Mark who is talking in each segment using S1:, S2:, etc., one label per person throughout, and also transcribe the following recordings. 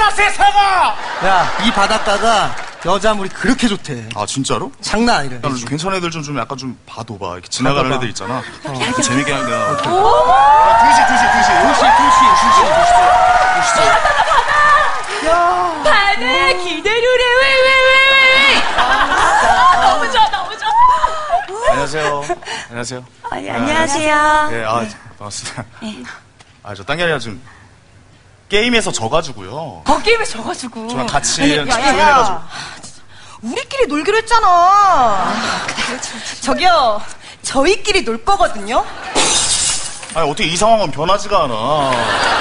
S1: 바다다 세상아.
S2: 야, 이 바닷가가 여자물이 그렇게 좋대.
S1: 아 진짜로?
S2: 장난 아니래.
S1: 괜찮은 애들 좀 약간 좀 봐둬봐. 이렇게 지나가는
S2: 봐봐.
S1: 애들 있잖아. 재밌게 하는 내가.
S2: 두시.
S3: 바다 기대루래 왜. 너무 좋아.
S1: 안녕하세요. 안녕하세요.
S3: 안녕하세요.
S1: 예, 반갑습니다. 저 딴 게 아니라 좀 게임에서 져가지고요.
S3: 게임에 져가지고.
S1: 저랑 같이 조인해가지고.
S4: 우리끼리 놀기로 했잖아. 저기요, 저희끼리 놀 거거든요.
S1: 아니 어떻게 이 상황은 변하지가 않아.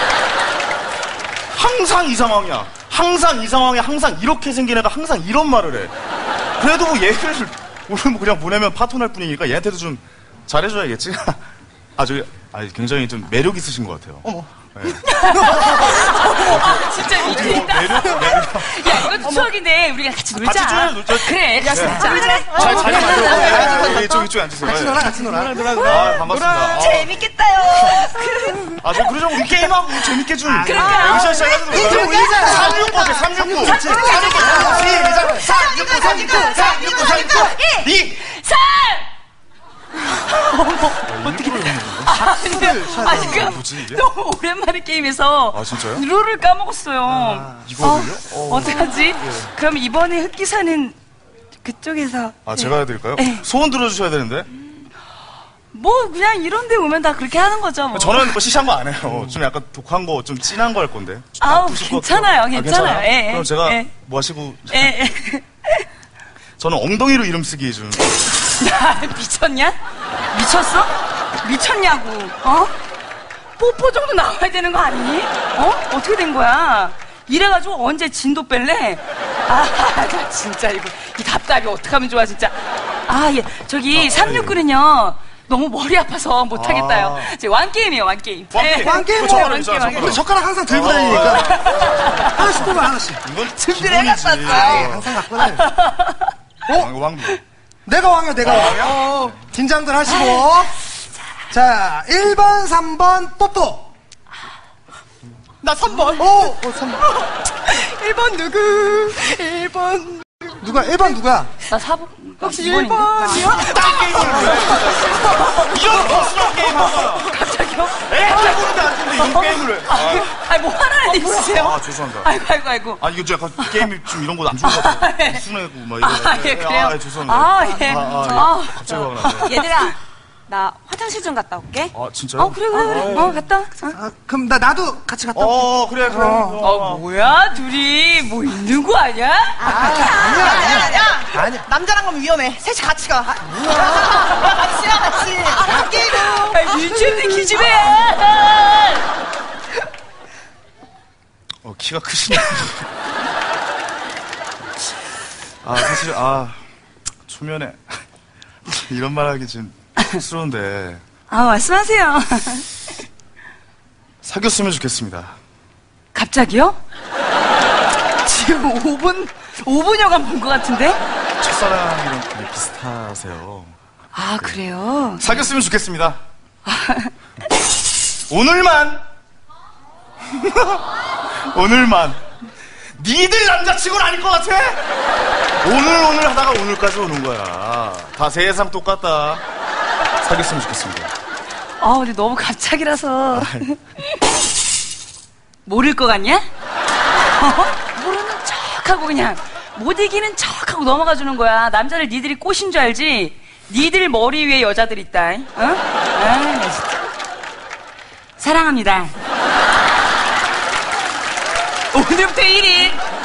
S1: 항상 이 상황이야. 항상 이 상황에 항상 이렇게 생긴 애가 항상 이런 말을 해. 그래도 뭐 얘를 오늘 뭐 그냥 보내면 파토날 뿐이니까 얘한테도 좀 잘해줘야겠지. 굉장히 좀 매력 있으신 것 같아요.
S2: 어머.
S1: 네.
S3: 진짜 미치겠다.
S1: 매력.
S3: 야, 이것도 추억인데 우리가 같이 놀자.
S1: 같이 놀자.
S3: 그래.
S1: 네. 자리 만들어. 이쪽에 앉으세요.
S2: 같이 놀아.
S1: 반갑습니다.
S4: 재밌겠다요.
S1: 저 그러자고 우리 게임하고 재밌게 좀.
S3: 그러니까.
S1: 여기서 시작해서 369 어때? 369. 369. 2.
S3: 3!
S2: 어떻게 되는
S1: 뭐지 이게?
S3: 너무 오랜만에 게임에서
S1: 아, 진짜요?
S3: 룰을 까먹었어요.
S1: 이거를요?
S3: 어떡하지? 그럼 이번에 흑기사는 그쪽에서
S1: 제가 해드릴까요?
S3: 네.
S1: 소원 들어주셔야 되는데.
S3: 뭐 그냥 이런 데 오면 다 그렇게 하는 거죠 뭐.
S1: 저는 뭐 시시한 거 안 해요. 좀 약간 독한 거, 좀 진한 거 할 건데. 좀
S3: 아우,
S1: 나쁘실 것
S3: 괜찮아요,
S1: 같아요.
S3: 괜찮아요. 예,
S1: 그럼 제가
S3: 예.
S1: 뭐 하시고.
S3: 예.
S1: 저는 엉덩이로 이름 쓰기 좀.
S3: 야, 미쳤냐? 미쳤어? 미쳤냐고, 뽀뽀 정도 나와야 되는 거 아니니? 어떻게 된 거야? 이래가지고 언제 진도 뺄래? 나 진짜 이 답답이 어떡하면 좋아, 진짜. 예. 저기, 369는요, 너무 머리 아파서 못하겠다요. 완게임이에요, 완게임.
S2: 왕게임
S1: 저 젓가락
S2: 우리 젓가락 항상 들고 다니니까. 하나씩 뽑아, 하나씩.
S1: 이건
S4: 준비를
S1: 기본이지.
S2: 항상 갖고 다녀.
S1: 왕도.
S2: 내가 왕이야, 내가 왕. 긴장들 하시고. 자, 1번, 3번, 뽀뽀.
S4: 나 3번.
S2: 3번.
S4: 1번 누구? 1번.
S2: 누가, 1번 누가?
S3: 나 4번.
S4: 혹시
S3: 2번인데?
S4: 1번이요?
S1: 이런 거스러운 게임 한 거야.
S3: 갑자기요?
S1: 애들 보는데 안 되는데 이런 게임을 해.
S3: 뭐 하나는 있으세요?
S1: 죄송합니다.
S3: 아이고.
S1: 이거 좀 약간 게임이 좀 이런 거 안 좋은 것 같아요. 순하고 막 이런.
S3: 예, 그래요?
S1: 죄송합니다.
S3: 예.
S1: 갑자기 화가 나네.
S4: 얘들아, 나 화장실 좀 갔다 올게.
S1: 진짜요?
S3: 그래. 갔다.
S2: 그럼 나도 같이 갔다 올게.
S1: 그래.
S3: 뭐야? 둘이 뭐 있는 거 아니야?
S4: 아니야. 남자랑 가면 위험해. 셋이 같이 가. 같이. 갈게요.
S3: 미쳤네, 기집애!
S1: 키가 크시네. 사실, 초면에 이런 말 하기 좀 쑥스러운데.
S3: 말씀하세요.
S1: 사귀었으면 좋겠습니다.
S3: 갑자기요? 지금 5분여간 본 것 같은데?
S1: 첫사랑이랑 되게 비슷하세요.
S3: 그래요?
S1: 사귀었으면 좋겠습니다. 오늘만. 니들 남자친구는 아닐 것 같아? 오늘 하다가 오늘까지 오는 거야. 다 세상 똑같다. 사귀었으면 좋겠습니다.
S3: 근데 너무 갑자기라서. 모를 것 같냐? 모르는 척하고 그냥 못 이기는 척하고 넘어가 주는 거야. 남자를 니들이 꼬신 줄 알지? 니들 머리 위에 여자들 있다. 나 진짜. 사랑합니다. 오늘부터 1일